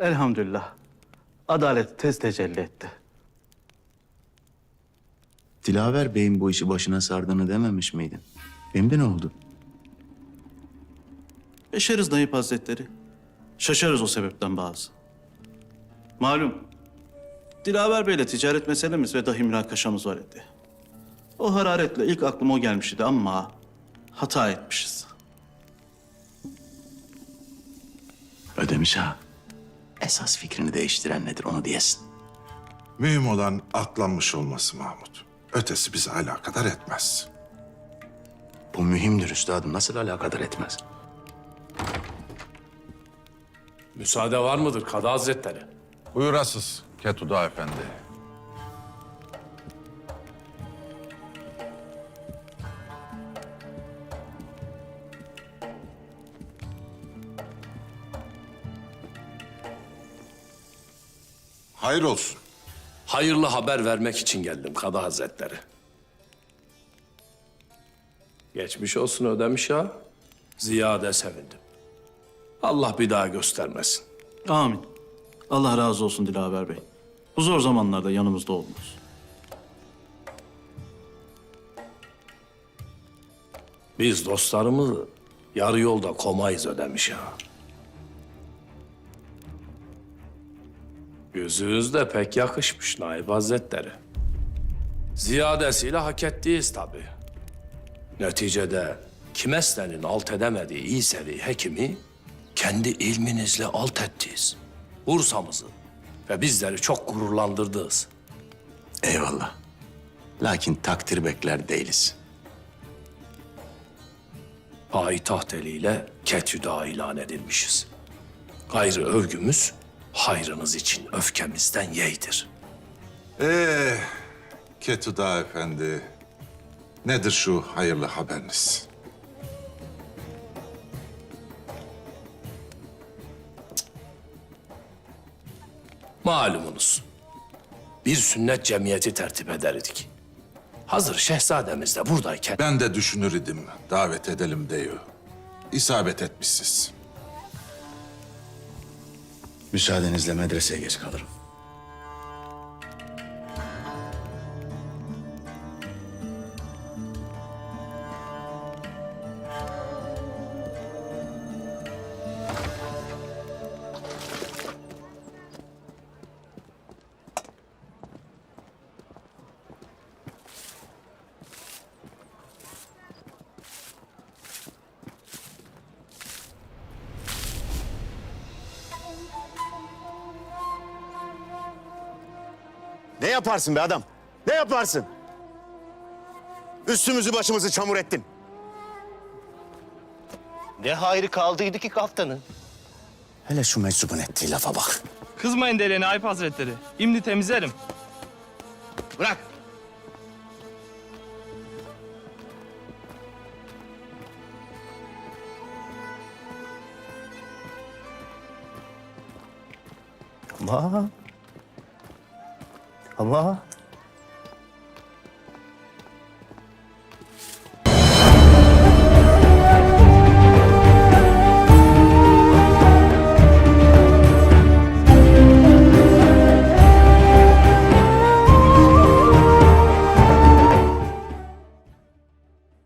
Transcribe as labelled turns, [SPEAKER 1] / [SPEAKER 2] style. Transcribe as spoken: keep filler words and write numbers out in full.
[SPEAKER 1] Elhamdülillah. Adalet tez tecelli etti.
[SPEAKER 2] Dilaver Bey'in bu işi başına sardığını dememiş miydin? Şimdi ne oldu?
[SPEAKER 1] Beşeriz Naip Hazretleri. Şaşarız o sebepten bazı. Malum, Dilaver Bey'le ticaret meselemiz ve dahi münakaşamız var idi. O hararetle ilk aklıma o gelmişti ama hata etmişiz.
[SPEAKER 2] Ödemiş ha. Esas fikrini değiştiren nedir onu diyesin.
[SPEAKER 3] Mühim olan atlanmış olması Mahmut. Ötesi bizi alakadar etmez.
[SPEAKER 2] Bu mühimdir üstadım. Nasıl alakadar etmez?
[SPEAKER 4] Müsaade var mıdır Kadı Hazretleri?
[SPEAKER 5] Buyurasız Ketuda Efendi.
[SPEAKER 3] Hayır olsun.
[SPEAKER 4] Hayırlı haber vermek için geldim Kadı Hazretleri. Geçmiş olsun Ödemiş Ağa. Ziyade sevindim. Allah bir daha göstermesin.
[SPEAKER 1] Amin. Allah razı olsun Dilaver Bey. Bu zor zamanlarda yanımızda oldunuz.
[SPEAKER 4] Biz dostlarımızı yarı yolda komayız Ödemiş Ağa. Yüzünüz de pek yakışmış Naip Hazretleri. Ziyadesiyle hak ettiyiz tabii. Neticede kimeslerin alt edemediği iyi sevi hekimi kendi ilminizle alt ettiniz. Bursa'mızı ve bizleri çok gururlandırdınız.
[SPEAKER 2] Eyvallah. Lakin takdir bekler değiliz.
[SPEAKER 4] Payitaht eliyle ketüda ilan edilmişiz. Gayrı övgümüz hayrınız için öfkemizden yeğdir.
[SPEAKER 3] Ee, Ketuda Efendi. Nedir şu hayırlı haberiniz?
[SPEAKER 4] Malumunuz, bir sünnet cemiyeti tertip ederdik. Hazır şehzademiz de buradayken...
[SPEAKER 3] Ben de düşünür idim. Davet edelim diyor. İsabet etmişsiz.
[SPEAKER 2] Müsaadenizle medreseye geç kalırım.
[SPEAKER 6] Ne yaparsın be adam? Ne yaparsın? Üstümüzü başımızı çamur ettin. Ne hayrı kaldıydı ki kaftanın?
[SPEAKER 2] Hele şu meczubun ettiği lafa bak.
[SPEAKER 7] Kızmayın deli Naip Hazretleri. İmdi temizlerim.
[SPEAKER 6] Bırak. Ama... Ama...